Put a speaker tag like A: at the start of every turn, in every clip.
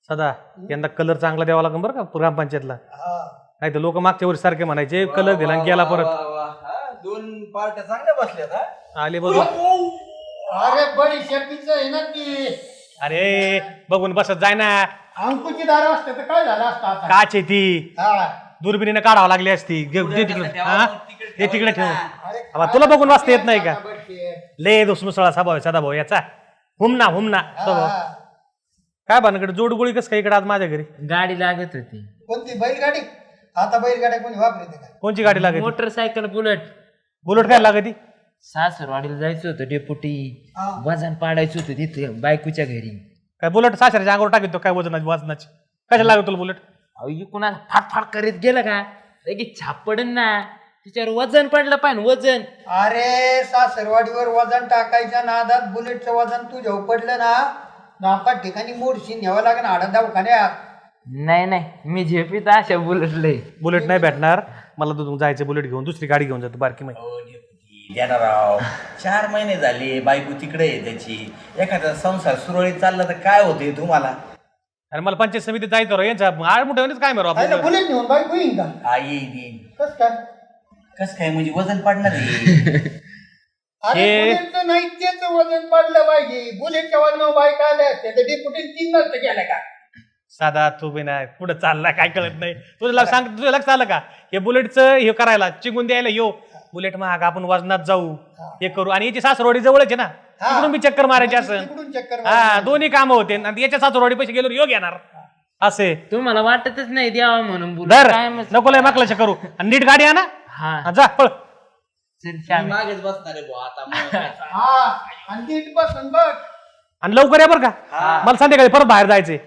A: सदा यंदा कलर चांगला द्यावा लागेल बरं का ग्रामपंचायतला. नाही तर लोक मागच्या वर्षी सारखे म्हणायचे कलर दिला आणि गेला परत.
B: दोन पार्ट्या चांगल्या बसल्यात
A: आले बघ.
C: अरे बडी शेतीच आहे ना ती.
A: अरे बघून बसत जाय ना.
C: अंकुची दार असते तर काय झालं असतं आता.
A: काच आहे ती. दुर्बिणीने काढावं लागली असती. दे तिकडे. हा ते तिकडे ठेवून. तुला बघून वाचता येत नाही का. ले दुसमुसळा स्वभाव सदा भाऊ याचा. हुमना स्वभाव. काय भानकडे जोडगोळी कस काय इकडे आज माझ्या घरी.
D: गाडी लागत होती.
C: कोणती बैलगाडी. आता बैलगाड्या कोणी वापरते का.
A: कोणची गाडी लागत.
D: Motorcycle bullet.
A: बुलेट काय लागत.
D: सासरवाडीला जायचं होतं डेपुटी. वजन पाडायचं होतं तिथे बायकोच्या घरी.
A: काय बुलेट सासऱ्याच्या अंगावर टाकतो काय वजनाची कशाला लागत तुला बुलेट.
D: कुणाला फाटफाट करीत गेलं का लगेच छाप पडन ना. तिच्यावर वजन पडलं पाहिजे वजन.
C: अरे सासरवाडीवर वजन टाकायच्या नादात बुलेटचं वजन तुझ्या पडलं ना. नापात ठिकाणी मोडशी न्यावं लागेल हाडा दवाखान्यात.
D: नाही मी झेपीत अशा बुलेटले.
A: बुलेट नाही भेटणार मला. तू जायचं बुलेट घेऊन दुसरी गाडी घेऊन जातो बारकी माहिती.
B: राव 4 महिने झाले बायको तिकडे आहे त्याची. एखादा संसार सुरळीत चालला तर काय होते तुम्हाला.
A: अरे मला पंचायत समितीत जायचं यांचा आड मोठे काय मारू आपण.
C: बुलेट नेऊन बाईक होईन का.
B: आई देईन
C: काय
B: कस काय म्हणजे वजन पडणार आहे.
C: अरे बुलेटचं नाही त्याचं वजन पडलं पाहिजे. बुलेटच्या वजनावर बाईक आले असते तर डेपुटी 3 नसतं गेलं का.
A: साधा तू बी नाही पुढे चालला काय कळत नाही. तुझं लक्ष आलं का हे बुलेटचं हे करायला चिंगून द्यायला यो बुलेट महाग आपण वजनात जाऊ हे करू. आणि याची सासरवाडी जवळच आहे ना. तिकडून बी चक्कर मारायची असं. हा दोन्ही कामं होते आणि याच्या सासरवाडी पैसे गेलो योग येणार असे.
D: तुम्हाला वाटतच नाही द्यावा म्हणून
A: दर नको लय माकलाच करू. आणि नीट गाडी आणा.
D: हा
A: जा पळ.
B: मागेच बसणार आहे बुवा आता.
C: आणि नीट बसून बघ.
A: आणि लवकर या बरं का. मला संध्याकाळी परत बाहेर जायचंय.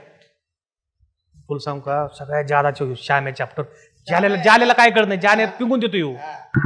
A: फुल सांग का सगळ्यात जादा श्याम्या चॅप्टर जालेला काय कळत नाही. जाने पिंगून देतो येऊ.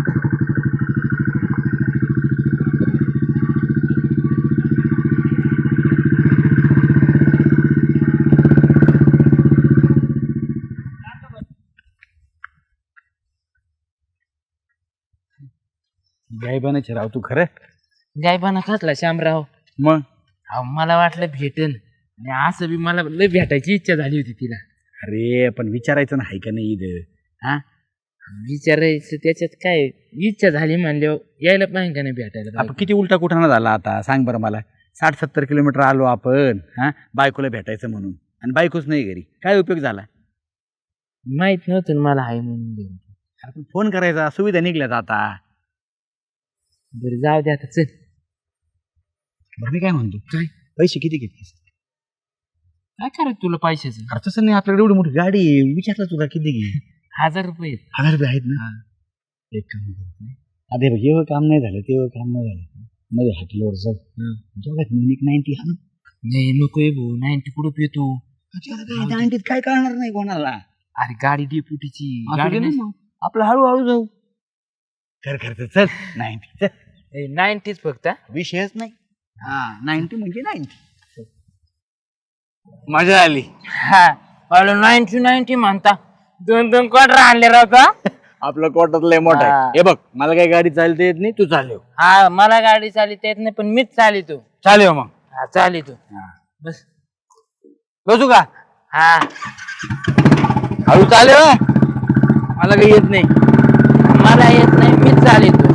E: गायबानाचे राव तू खरं.
D: गायबाना खातला श्यामराव.
E: मग
D: मला वाटलं भेटन आणि असं बी मला लय भेटायची इच्छा झाली होती तिला.
E: अरे पण विचारायचं नाही का नाही इथं. हा
D: विचारायचं त्याच्यात काय इच्छा झाली म्हणल्यावर यायला पाहिजे का नाही भेटायला.
E: आपण किती उलटा कुठाना झाला आता सांग बरं मला. 60-70 किलोमीटर आलो आपण. हा बायकोला भेटायचं म्हणून आणि बायकोच नाही घरी. काय उपयोग झाला.
D: माहित नव्हतं मला आहे म्हणून.
E: आपण फोन करायचा. सुविधा निघल्यात आता.
D: बरं जाऊ दे आता चल.
E: बरं मी काय म्हणतो
D: काय
E: पैसे किती घेतलीस.
D: काय करायचं तुला पैशाचं.
E: अरे तसं नाही आपल्याकडे एवढी मोठी गाडी आहे. विचारलं तुला किती घे.
D: 1000 रुपये.
E: 1000 रुपये आहेत ना. एक काम करतो अरे बघ एवढं काम नाही झालं तेवढं काम नाही झालं. मध्ये हॉटेलवर जाऊ दोघात मिनिट 90 हा.
D: नाही नको भाऊ 90 कुठं पितो.
E: 90 काय करणार नाही कोणाला.
D: अरे गाडी डेपुटीची गाडी
E: आपलं हळूहळू जाऊ. खर चल 90
D: 90 फक्त.
E: विषयच नाही. हा 90 म्हणजे 90.
D: मजा आली. हा 90 म्हणता 2 क्वार्टर आणले राहता.
E: आपलं कोटात लय मोठा आहे. हे बघ मला काही गाडी चालता येत नाही. तू चालव.
D: हा मला गाडी चालित येत नाही पण मीच चालितो.
E: चालव मग.
D: हा चालितो. बस
E: बसू का.
D: हा
E: हळू चालव. मला काही येत नाही.
D: मला येत नाही मीच चालितो.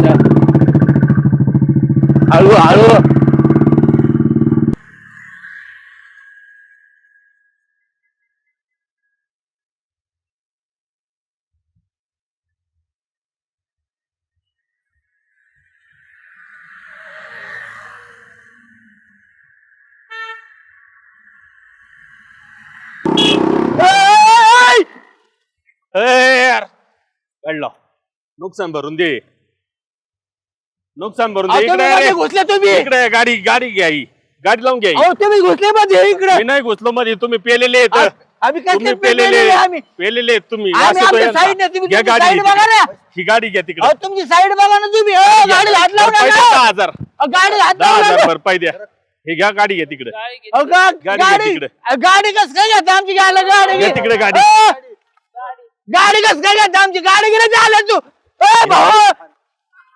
E: हळू हळू.
A: कळलं. नुकसान भरून दे. नुकसान भरून दे.
E: घुसले तुम्ही.
A: इकडे गाडी घ्या. गाडी लावून घ्या.
E: तुम्ही घुसले मध्ये इकडे.
A: मी नाही घुसलो मध्ये. तुम्ही पेलेले
E: आम्ही
A: तुम्ही पेलेले तुम्ही. घ्या गाडी. ही गाडी घ्या तिकडे.
E: तुमची साईड बघा ना तुम्ही. गाडी हात लावू नका.
A: 10,000
E: गाडी हात
A: 10,000 भरपाई द्या. हे घ्या गाडी घ्या तिकडे.
E: गाडी कस काय घेता आमची. गाडी
A: तिकडे गाडी.
E: गाडी कस काय घेता आमची. गाडी गेली झालं तू. भाऊ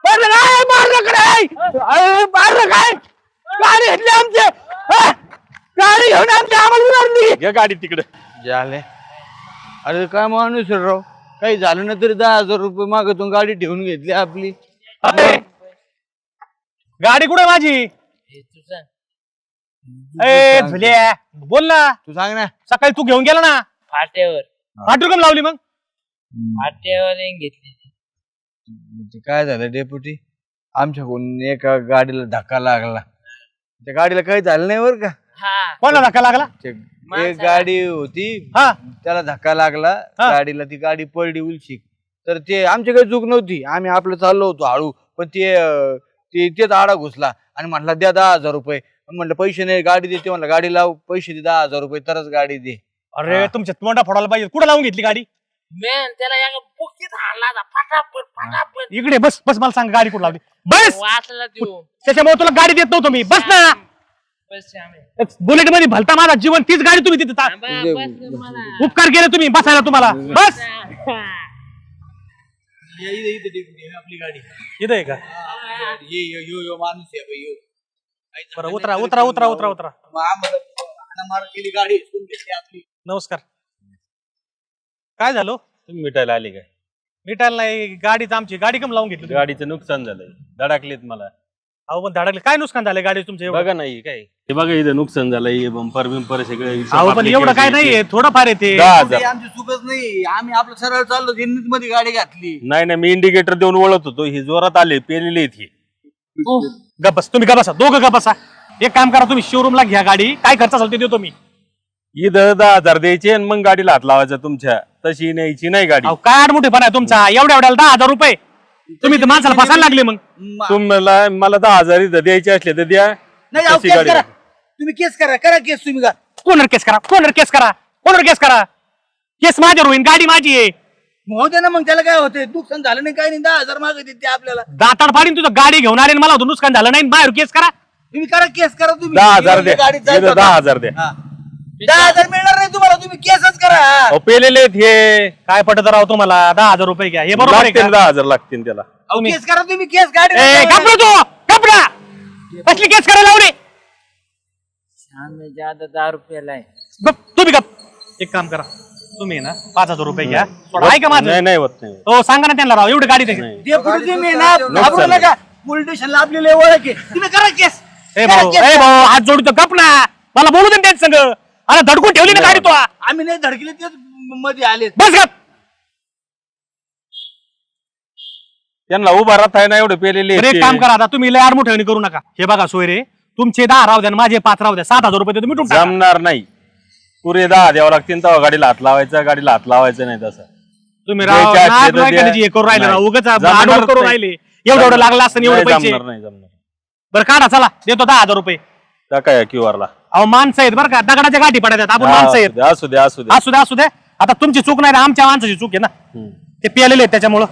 E: मारलं काय. गाडी घेतली आमची. गाडी घेऊन आम्हाला उडाली.
F: घ्या गाडी तिकडे.
E: झाले. अरे काय माणूस आहे राव, काही झालं ना तरी 10,000 रुपये मागतून गाडी ठेवून घेतली आपली.
A: अरे, गाडी कुठे माझी?
D: हे तू सांग.
A: ए झुल्या, बोल ना.
E: तू सांग ना.
A: सकाळी तू घेऊन गेला ना.
D: फाट्यावर
A: फाटू कम लावली मग?
D: फाट्यावर येऊन घेतली.
E: ते काय झालं डेपुटी, आमच्याकडून एका गाडीला धक्का लागला. त्या गाडीला काही झालं नाही बरं का.
D: हा
A: कोणाला धक्का लागला?
E: एक गाडी होती,
A: हा
E: त्याला धक्का लागला
A: हा.
E: गाडीला. ती गाडी पडली उलशी. तर ते आमची काही चूक नव्हती, आम्ही आपलं चाललो होतो हळू. पण तेच आडा घुसला आणि म्हटला द्या 10,000 रुपये. म्हटलं पैसे नाही, गाडी देते. म्हणलं गाडी लाव, पैसे दे 10,000 रुपये तरच गाडी दे.
A: अरे
E: हा.
A: तुमच्या तोंडा फोडायला पाहिजे. कुठं लावून घेतली गाडी?
D: मॅन त्याला या बुकीत हाणला होता. फटाफट
A: इकडे बस बस, मला सांग गाडी कुठं लावली. बस,
D: वाचला देऊ.
A: त्याच्यामुळे तुला गाडी देत नव्हतो मी. बस ना. बुलेट मध्ये भलता माझा जीवन, तीच गाडी तुम्ही तिथे उपकार केले तुम्ही बसायला तुम्हाला. बस
E: आपली गाडी
A: इथं आहे का?
E: माणूस आहे.
A: बरं, उतरा उतरा उतरा उतरा उतरा.
E: केली गाडी आपली.
A: नमस्कार. काय झालं?
F: तुम्ही मिटायला आले काय?
A: मिटायला नाही, गाडीच आमची. गाडी कम लावून घेतली तुम्ही?
F: गाडीचं नुकसान झालंय, धडकलेत मला.
A: अहो पण धडकले. काय नुकसान झालं गाडी तुमचं एवढं?
F: बघा नाही काय हे, बघा इथं नुकसान झालंय. बंपर बिंपर सगळे.
A: अहो पण एवढं काय नाहीये, थोडंफार येते.
F: 10,000.
E: आमची चुकच नाही, आम्ही आपलं सरळ चाललो, जिन्नीत मध्ये गाडी घातली.
F: नाही नाही, मी इंडिकेटर देऊन ओळखत होतो. ही जोरात आले, पेलेले आहेत ही.
A: गप्पस, तुम्ही गप्पसा, दोघं गप्पसा. एक काम करा, तुम्ही शोरूमला घ्या गाडी. काय खर्च असेल ते देतो मी.
F: इथं 10,000 द्यायचे आणि मग गाडीला हात लावायचा तुमच्या. तशी न्यायची नाही गाडी.
A: अहो काय आडमुठेपणा आहे तुमचा? एवढ्या एवढ्याला 10,000 रुपये तुम्ही तर माणसाला फसायला लागले. मग
F: तुम्हाला मला 10,000 इथं द्यायचे असले तर द्या.
E: नाही अहो,
F: तशी
E: केस
F: गाडी
E: करा तुम्ही, केस करा केस तुम्ही.
A: कोणावर केस करा, कोणावर केस करा, कोणावर केस करा. केस माझ्यावर होईन, गाडी माझी आहे.
E: होते ना मग, त्याला काय होते, नुकसान झालं नाही, काही नाही. 10,000 मागत ते आपल्याला.
A: दाताड फाडीन तुझं. गाडी घेऊन आले आणि मला होतं नुकसान झालं नाही, बाहेर केस करा.
E: तुम्ही करा केस करा तुम्ही.
F: 10,000 द्या.
E: गाडीत जायचं
F: इथं
E: होतं.
F: 10,000 द्या.
E: हा. 10,000 मिळणार नाही तुम्हाला, तुम्ही केसच करा.
F: अहो, पेलेले आहेत हे.
A: काय पटत राव तुम्हाला? 10,000 रुपये घ्या. हे बरोबर आहे
F: लागतील
A: का?
F: 10,000 लागतील त्याला.
E: अहो, केस करा तुम्ही, केस गाडी
A: ए, कपडा तो कपडा कसली केस करायला लावले?
D: आम्ही ज्यादा 10 रुपयाला आहे.
A: गप, तुम्ही गप. एक काम करा, तुम्ही ना 5,000 रुपये घ्या. थोडं आहे का माझं?
F: नाही नाही होत नाही.
A: हो सांगा ना त्यांना राव, एवढी गाडी त्याची.
F: नाही.
E: ते पुढे तुम्ही ना घाबरू नका. पोलीस स्टेशनला आपली ओळख आहे, तुम्ही करा केस.
A: ए
E: करा
A: भाऊ,
E: केस.
A: ए भाऊ, हात जोडतो गप ना. मला बोलू दे त्याच संग. अरे धडकून ठेवली ना गाडी तो.
E: आम्ही नाही धडकले, तेच मध्ये आले.
A: बस गप.
F: त्यांना उभा राहत आहे ना, एवढे पेलेले
A: बरं,
F: आहेत
A: एक
F: ते.
A: काम करा आता, तुम्ही लय आडमुठेवणी करू नका. हे बघा सोयरे, तुमचे 10 राहू द्या आणि माझे 5 राहू द्या. 7,000 रुपये तुम्ही मिटून टाका.
F: जमणार नाही. पुरे 10 द्यावं लागतील तेव्हा गाडीला हात लावायचा. गाडीला हात लावायचं नाही तसं.
A: तुम्ही राव
F: द्यायचे असले
A: नाक
F: तर
A: नाही
F: द्या.
A: करायची, हे करू राहिले राव.
F: नाही.
A: उगाच
F: जमणार
A: आडवड करू
F: नाही.
A: राहिले. एवढं लागलं असतं एवढे
F: नाही,
A: पैसे.
F: जमणार नाही जमणार.
A: बरं काढा, चला देतो 10,000 रुपये.
F: टाका या QR ला.
A: अहो माणसं आहेत बरं का, दगडाच्या गाठी पडतात. आपण माणसं आहेत.
F: असू द्या असू द्या.
A: असू द्या असू द्या. आता तुमची चूक नाही ना, आमच्या माणसाची चूक आहे ना.
F: हम्म.
A: ते पियालेले आहेत त्याच्यामुळं.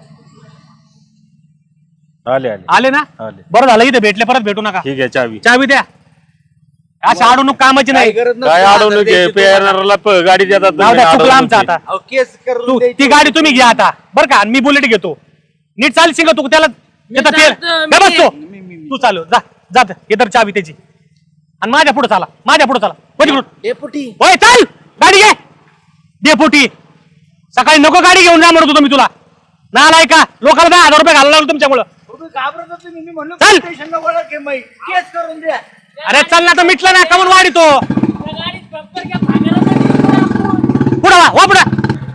F: आले आले
A: आले ना,
F: आले.
A: बरं झालं. इथे भेटले, परत भेटू नका.
F: ठीक आहे, चावी.
A: चावी द्या. अशा अडवणूक कामाची नाही.
F: काय अडवणूक आहे? पेरणाऱ्याला गाडी देतात
A: जाऊ
F: तुम्ही,
A: द्या, चुकलं
F: अडवणूक
A: आमचं
F: आहे.
A: आता.
E: अहो, केस करून द्यायची.
A: ती गाडी तुम्ही घ्या आता बरं का, आणि मी बुलेट घेतो. नीट चालशील का तू? त्याला येतं तेल.
D: चालतो,
A: का बसतो? तू चालू जा जात. इतर चावी त्याची. आणि माझ्या पुढे चाला, माझ्या पुढे चला. पलीकडून
E: डेपुटी
A: होय, चाल गाडी घे. डेपुटी सकाळी नको गाडी घेऊन जा म्हणत होतो मी तुला. नालाय का, लोकांना 10,000 रुपये घालायला लागलो तुमच्यामुळं.
E: तुम्ही घाबरत होते, मी म्हणलो
A: चल.
E: स्टेशनला ओळख आहे माई. केस करून द्या.
A: अरे चल ना, तर मिटलं ना, कमून वाढीतो. पुढं वा पुढं.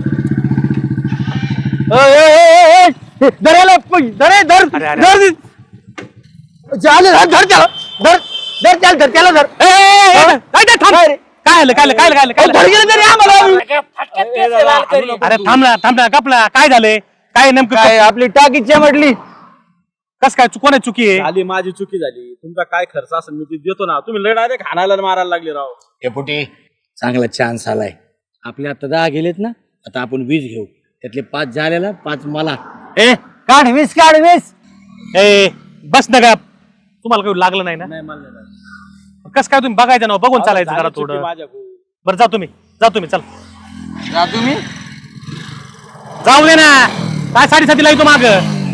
E: धरायला धर धर
A: अरे, अरे.
E: धर चालेल, धर त्याला धर धर त्याला धर त्याला धर.
A: ए, ए, ए, ए, थांब. काय आलं काय आलं काय आलं, काय आलं, काय
E: धर
A: आलं?
E: गेलं तरी आम्हाला.
A: अरे थांब ना कपला. काय झालंय? काय नेमकं
E: काय आपली टाकीच्या म्हटली.
A: कस काय कोणाची चुकी आहे?
G: झाली माझी चुकी झाली. तुमचा काय खर्च असेल मी ते देतो ना. तुम्ही लय डायरेक्ट हाणायला आणि मारायला लागले राव.
E: डेपुटी चांगला चान्स आलाय. आपले आता 10 गेलेत ना, आता आपण 20 घेऊ. त्यातले 5 झालेला, 5 मला.
A: ए
E: काढ 20 काढ 20.
A: ए बस ना का, तुम्हाला काही लागलं नाही ना?
G: नाही मला नाही लागलं.
A: कस काय तुम्ही बघायचं ना, बघून चालायचं जरा
G: झाली चुकी
A: थोडं.
G: माझ्याकडून.
A: बरं जा तुम्ही चल.
E: जा तुम्ही.
A: जाऊ दे ना, काय 7:30 ला येतो माग.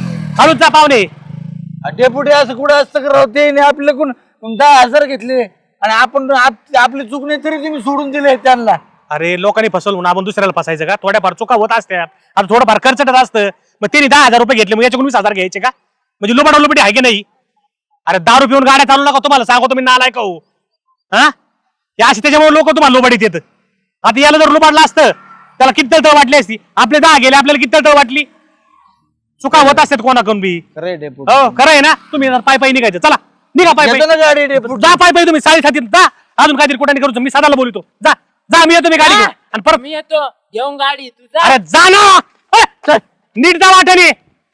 A: हळूच जा पाहुणे.
E: डेपुटी असं कुठं असतं करावं? ते आपल्याकडून 10,000 घेतले. आणि आपण आपली चूक नाही तरी तुम्ही सोडून दिले त्यांना.
A: अरे लोकांनी फसवलं म्हणून आपण दुसऱ्याला फसायचं का? थोड्याफार चुका होत असतात. आता थोडंफार खर्चटच असतं. मग त्यांनी 10,000 रुपये घेतले, मग याच्याकडून 20,000 घ्यायचे का? म्हणजे लुबाडी आहे की नाही? अरे दारू पिऊन गाड्या चालू नका, तुम्हाला सांगतो मी नालायक हो. हा या अशी त्याच्यामुळे लोक तुम्हाला लोबाडीत येत. आता याला जर लुबाडलं असतं त्याला किती तळतळ वाटली असती. आपले 10 गेले, आपल्याला किती तळतळ वाटली. चुका होत असतात कोणाकडून बी.
E: खरं आहे डेपुटी.
A: हो खरं आहे ना. तुम्ही पाय पाय निघायचं. चला निघा पाय
E: येतो ना
A: पाय.
E: गाडी डेपुटी.
A: जा पाय पाय तुम्ही साडेसाती जा. अजून काहीतरी कुठे करू मी सदाला बोलतो. जा जा मी येतो मी गाडी घेऊन. आणि परत
D: मी येतो घेऊन गाडी तू जा.
A: अरे जा ना. चल, नीट जा वाटाने.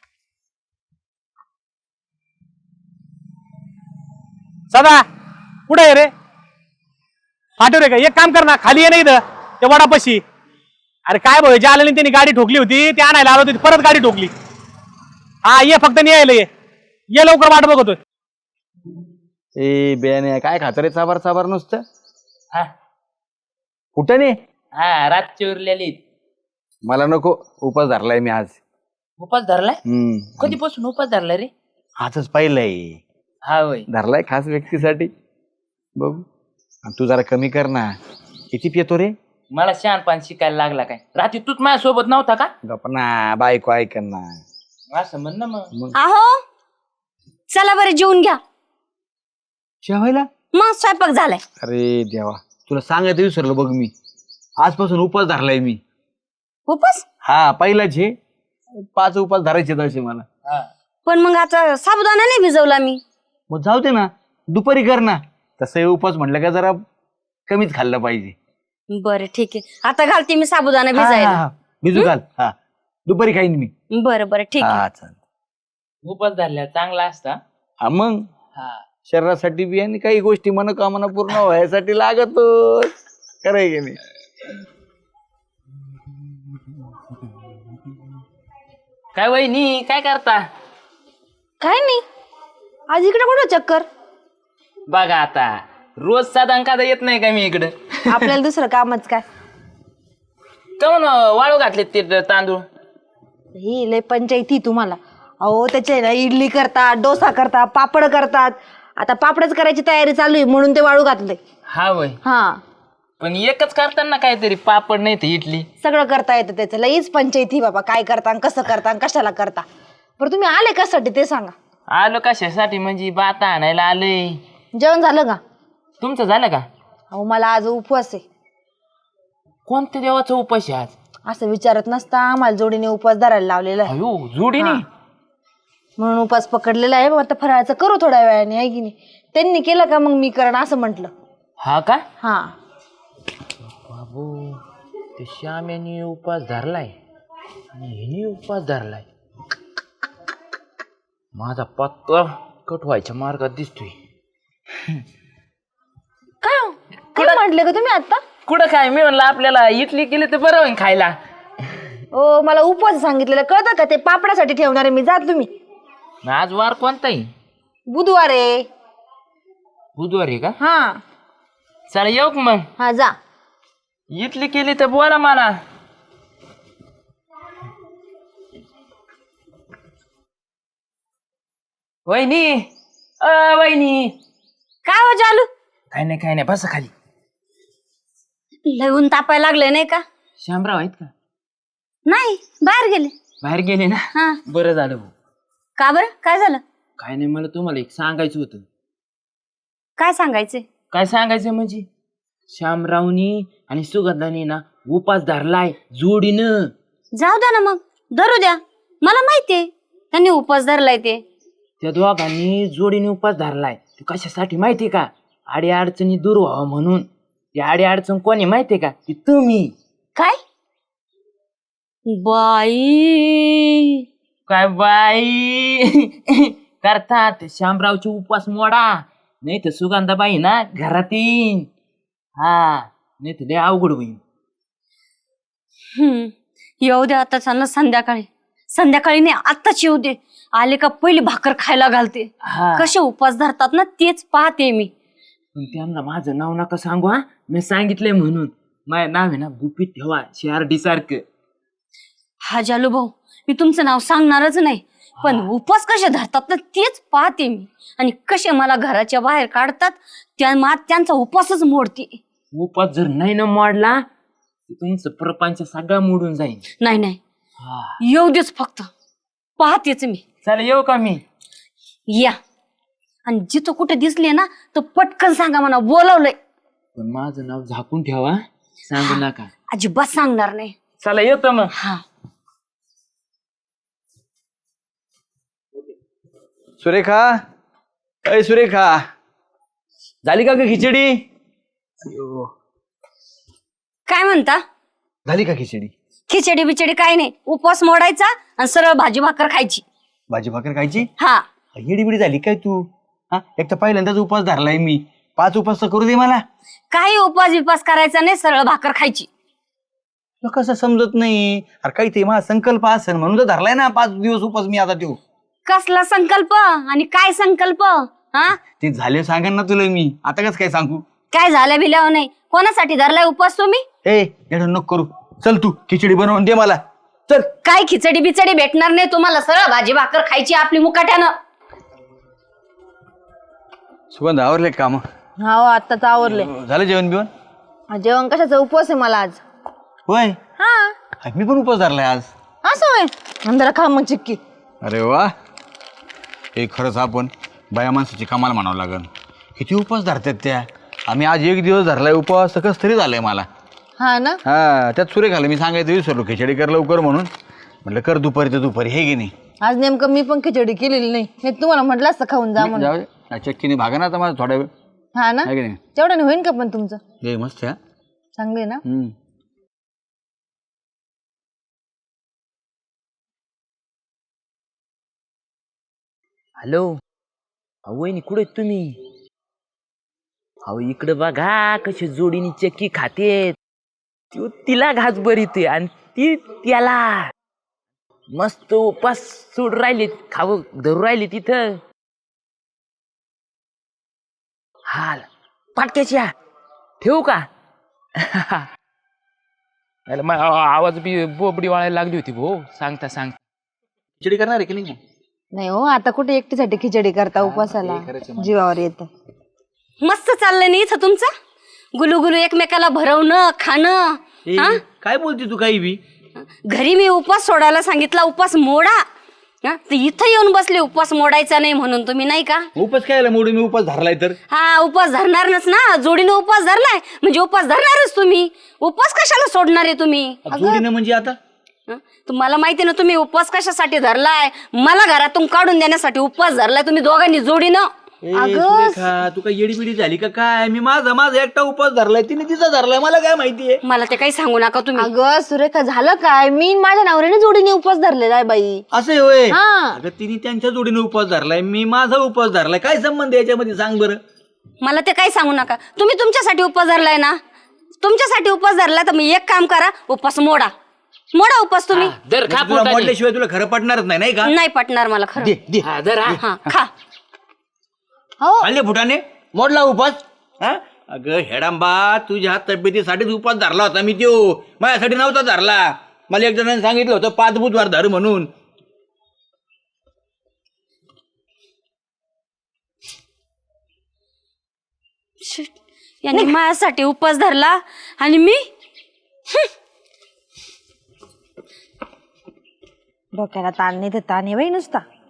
A: सदा कुठे आहे रे? फाटव रे का? एक काम कर ना, खाली ये नाही इथं त्या वडापाशी. अरे काय भाऊ जे आलं नाही त्यांनी गाडी ठोकली होती, ते आणायला आलो होती, परत गाडी ठोकली. हा ये फक्त न्यायला ये लवकर वाट बघतोय.
E: ए बेने काय खात रे चाबार चाबार नुसतं?
D: हा
E: कुठं नाही?
D: हा रातची उरलेली.
E: मला नको, उपास धरलाय मी आज.
D: उपास धरलाय? कधीपासून उपास धरलाय रे?
E: आजच पाहिलंय.
D: हा होय.
E: धरलाय खास व्यक्तीसाठी. बघू आणि तू जरा कमी कर ना. किती पितो रे?
D: मला शहाणपण शिकायला लागला काय? रात्री तूच माझ्यासोबत नव्हता का?
E: गप्प ना, बायको ऐक ना.
D: असं म्हण ना मग.
H: आहो चला बरं जेवून घ्या.
E: जेवायला?
H: मग स्वयंपाक झालाय.
E: अरे देवा, तुला सांगायचं विसरलो बघ मी. आजपासून उपास धरलाय मी.
H: उपास?
E: हा पहिलाच हे 5 उपास धरायचे तसे मला.
H: पण मग आता साबुदाणा नाही भिजवला मी.
E: मग जाऊ दे ना, दुपारी कर ना. तसं उपास म्हटलं का जरा कमीच खाल्लं पाहिजे.
H: बरं ठीक आहे, आता घालते मी साबुदाणा
E: हा,
H: भिजायला.
E: हा, भिजू घाल. हा दुपारी खाईन मी.
H: बरं बरं ठीक आहे.
E: हा चाल.
D: उपास धरल्या चांगला असता.
E: हा मग
D: हा
E: शरीरासाठी बी आणि काही गोष्टी मनोकामना पूर्ण व्हायसाठी लागतोच. खरंय की नाही?
D: काय वहिनी काय करता?
H: काय नाही, आज इकडे कुठं चक्कर?
D: बघा आता रोज साधा कादा येत नाही का मी इकडं?
H: आपल्याला दुसरं कामच काय.
D: काऊन वाळू घातले ते तांदूळ?
H: ही लय पंचायती तुम्हाला. अहो त्याचे ना इडली करतात, डोसा करतात, पापड करतात. आता पापडच करायची तयारी चालू आहे म्हणून ते वाळू घातलंय.
D: हा वय.
H: हा
D: पण एकच करताना काहीतरी पापड नाही तर इडली.
H: सगळं करता येतं त्याचं. लईच पंचायती बाबा, काय करता कसं करता कशाला करता. बरं तुम्ही आले कशासाठी ते सांगा.
D: आलो कशासाठी म्हणजे बाता आणायला आलोय.
H: जेवण झालं का?
D: तुमचं झालं का?
H: अहो मला आज उपवास आहे.
D: कोणत्या देवाचा उपास आहे आज?
H: असं विचारत नसता, आम्हाला जोडीने उपवास धरायला लावलेला आहे
D: अयो जोडीने.
H: म्हणून उपवास पकडलेला आहे. मग आता फराळाचं करू थोड्या वेळाने, आहे की नाही. त्यांनी केलं का मग मी करण असं म्हटलं.
D: हा का?
H: हा
D: बाबू ते श्याम यांनी उपास धरलाय आणि हिने उपास धरलाय. माझा पत्ता कट व्हायच्या मार्गात दिसतोय.
H: काय हो? काय म्हटले का तुम्ही आता?
D: कुठं काय? मी म्हणलं आपल्याला इडली केली तर बरं होईल खायला.
H: ओ मला उपवास सांगितलेलं कळतं का? ते पापडासाठी ठेवणार आहे मी. जा तुम्ही.
D: आज वार कोणताही?
H: बुधवार आहे.
D: बुधवार आहे का?
H: हा
D: चला येऊ का मग?
H: हा जा.
D: इडली केली तर बोला मला. वहिनी वहिनी.
H: काय हो चालू?
D: काय नाही बसा खाली.
H: लय ऊन तापायला लागले नाही का?
D: श्यामराव आहेत का?
H: नाही बाहेर गेले.
D: बाहेर गेले ना?
H: हा
D: बरं झालं भाऊ.
H: का बरं? काय झालं?
D: काय नाही, मला तुम्हाला एक सांगायचं होतं.
H: काय सांगायचे?
D: काय सांगायचं म्हणजे श्यामरावनी आणि सुगंधानी ना उपास धरलाय जोडीनं.
H: जाऊ द्या ना मग, धरू द्या. मला माहितीये त्यांनी उपवास धरलाय ते.
D: त्या दोघांनी जोडीने उपास धरलाय. तू कशासाठी माहितीये का? आडी अडचणी दूर व्हावं म्हणून. ती आडी अडचण कोणी माहितीये का? ती तुम्ही.
H: काय बाई?
D: काय बाई करतात श्यामरावचे उपवास मोडा, नाही तर सुगंधाबाई ना घरात येईन. हा नाही तर लय अवघड होईल.
H: येऊ दे आता ना संध्याकाळी. संध्याकाळी नाही आत्ताच येऊ दे. आले का पहिली भाकर खायला घालते.
D: हा
H: कसे उपवास धरतात ना तेच पाहते मी.
D: पण त्यांना माझं नाव नका सांगू. हा मी सांगितलंय म्हणून. माझं नाव आहे ना गुपित ठेवा, CRD सारखं.
H: हा जालू भाऊ, मी तुमचं नाव सांगणारच नाही.
I: पण उपवास कसे धरतात ना तेच पाहते मी. आणि कसे मला घराच्या बाहेर काढतात त्यांचा उपवासच मोडते.
D: उपास जर नाही ना मोडला तर तुमचं प्रपंच सगळा मोडून जाईल.
I: नाही नाही येऊ देच फक्त पाहतेच मी.
D: चला येऊ का मी?
I: या आणि जिथं कुठे दिसले ना तर पटकन सांगा म्हणा बोलवलंय.
D: पण माझं नाव झाकून ठेवा, सांगू नका.
I: अजिबात सांगणार नाही.
D: चला येतो मग.
I: हा
E: सुरेखा, अय सुरेखा, झाली का ग खिचडी?
I: काय म्हणता?
E: झाली का खिचडी?
I: खिचडी बिचडी काय नाही, उपवास मोडायचा आणि सरळ भाजी भाकर खायची.
E: भाजी भाकर खायची?
I: हा
E: येडी बिडी झाली काय तू? हा, एक तर पहिल्यांदाच उपवास धरलाय मी. 5 उपवास तर करू दे मला.
I: काही उपवास बिपास करायचा नाही, सरळ भाकर खायची.
E: तुला कसं समजत नाही? अरे काही ते माझा संकल्प असेल म्हणून तर धरलाय ना 5 दिवस उपवास मी आता तो.
I: कसला संकल्प आणि काय संकल्प? हा
E: ते झाले सांगेन ना तुला मी. आता कसं काय सांगू?
I: काय झालं बिल्यावर नाही. कोणासाठी धरलाय उपवास तुम्ही?
E: ए एवढं नको करू. चल तू खिचडी बनवून दे मला. चल.
I: काय खिचडी बिचडी भेटणार नाही तुम्हाला, सरळ भाजी भाकर खायची आपली मुकाट्यानं.
E: सुगंध आवरले काम?
H: हो आत्ताच आवरले.
E: झालं जेवण बिवण?
H: जेवण कशाचा उपवास आहे मला आज.
E: होय,
H: हा
E: मी पण उपवास धरलाय आज.
H: असं होय. अंधारा खा मग चिक्की.
E: अरे वा, हे खरंच आपण बाया माणसाची कमाल म्हणावं लागेल. किती उपवास धरतात त्या. आम्ही आज 1 दिवस धरलाय उपवास, कस तरी झालंय मला.
H: हा ना.
E: हा, त्यात सुरेखाला मी सांगायचं विसरलो खिचडी कर लवकर म्हणून. म्हटलं कर दुपारी तर दुपारी, हे की नाही.
H: आज नेमकं मी पण खिचडी केलेली नाही. मी तुम्हाला म्हटलं असतं खाऊन जा म्हणून.
E: जाऊ दे. चक्कीने भागा ना आता माझा थोड्या वेळ.
H: हा ना,
E: आहे की नाही?
H: तेवढ्याने होईन का पण तुमचं?
E: हे मस्त आहे.
H: चांगले ना.
D: हॅलो, वहिनी कुठे आहेत तुम्ही? अहो इकडे बघा कशी जोडीनी चक्की खातेत. तिला घास बरीते आणि ती त्याला. मस्त उपास सोड राहिले, खाव धरू राहिले तिथं. हाल पाटक्याच्या ठेवू का? आवाज बी बोबडी वाळायला लागली होती भाऊ. सांगता
E: खिचडी करणार आहे की नाही?
H: नाही हो, आता कुठे एकटीसाठी खिचडी करता उपवासाला. जीवावर येतं.
I: मस्त चाललंय नाही इथं तुमचं, गुलू गुलू एकमेकाला भरवणं खाणं. हा
E: काय बोलते तू काही बी?
I: घरी मी उपवास सोडायला सांगितला, उपवास मोडा. हा, तर इथं येऊन बसले उपवास मोडायचा नाही म्हणून तुम्ही, नाही का?
E: उपवास खायला मोडी मी उपवास धरलाय तर.
I: हा उपवास धरणारच ना, जोडीनं उपवास धरलाय म्हणजे उपवास धरणारच तुम्ही. उपवास कशाला सोडणार आहे तुम्ही?
E: जोडीनं म्हणजे आता
I: तुम्हाला माहिती ना तुम्ही उपवास कशासाठी धरलाय. मला घरातून काढून देण्यासाठी उपवास धरलाय तुम्ही दोघांनी जोडीनं.
E: सुरेखा, तू काय येडी बिडी झाली का काय? मी माझा एकटा उपवास धरलाय, तिने तिचा धरलाय, मला काय माहितीये?
I: मला ते काही सांगू नका तुम्ही.
H: अगं सुरेखा, झालं काय? मी माझ्या नवऱ्याने जोडीने उपवास धरलेला आहे बाई.
E: असं होय?
H: हा.
E: अगं तिने त्यांच्या जोडीने उपवास धरलाय, मी माझा उपवास धरलाय. काय संबंध याच्यामध्ये सांग बरं?
I: मला ते काही सांगू नका. तुम्ही तुमच्यासाठी उपवास धरलाय ना, तुमच्यासाठी उपवास धरलाय तर मी एक काम करा, उपवास मोडा. मोडा उपवास तुम्ही.
D: दर खा
E: तुला मोडल्याशिवाय तुला खरं पडणारच नाही, नाही का?
I: नाही पटणार मला खरं.
E: दे.
I: हा खा.
E: खाल्ले फुटाने मोडला उपवास. हा, अगं हेडांबा, तुझ्या तब्येतीसाठीच उपवास धरला होता मी. त्यो माझ्यासाठी नव्हता धरला. मला एक जणांनी सांगितलं होतं 5 बुधवार धर म्हणून.
I: यांनी माझ्यासाठी उपवास धरला आणि मी.
H: डोक्याला ताण नाही तर ताण आहे बाई नुसता.